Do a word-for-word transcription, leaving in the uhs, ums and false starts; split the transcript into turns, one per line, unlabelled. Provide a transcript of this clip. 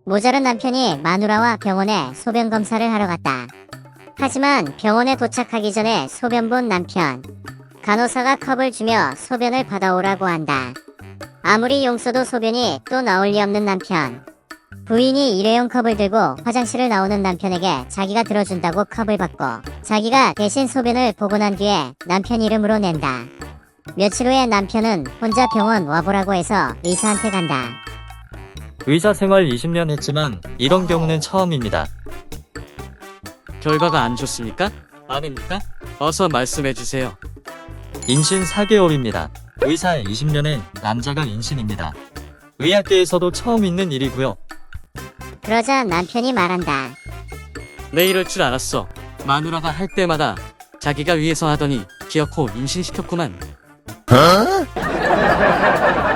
모자란 남편이 마누라와 병원에 소변 검사를 하러 갔다. 하지만 병원에 도착하기 전에 소변 본 남편. 간호사가 컵을 주며 소변을 받아오라고 한다. 아무리 용서도 소변이 또 나올 리 없는 남편. 부인이 일회용 컵을 들고 화장실을 나오는 남편에게 자기가 들어준다고 컵을 받고 자기가 대신 소변을 보고 난 뒤에 남편 이름으로 낸다. 며칠 후에 남편은 혼자 병원 와보라고 해서 의사한테 간다.
의사 생활 이십 년 했지만 이런 경우는 처음입니다.
결과가 안 좋습니까? 아닙니까? 어서 말씀해주세요.
임신 사 개월입니다. 의사 이십 년에 남자가 임신입니다. 의학계에서도 처음 있는 일이고요.
그러자 남편이 말한다.
내 이럴 줄 알았어. 마누라가 할 때마다 자기가 위해서 하더니 기어코 임신시켰구만.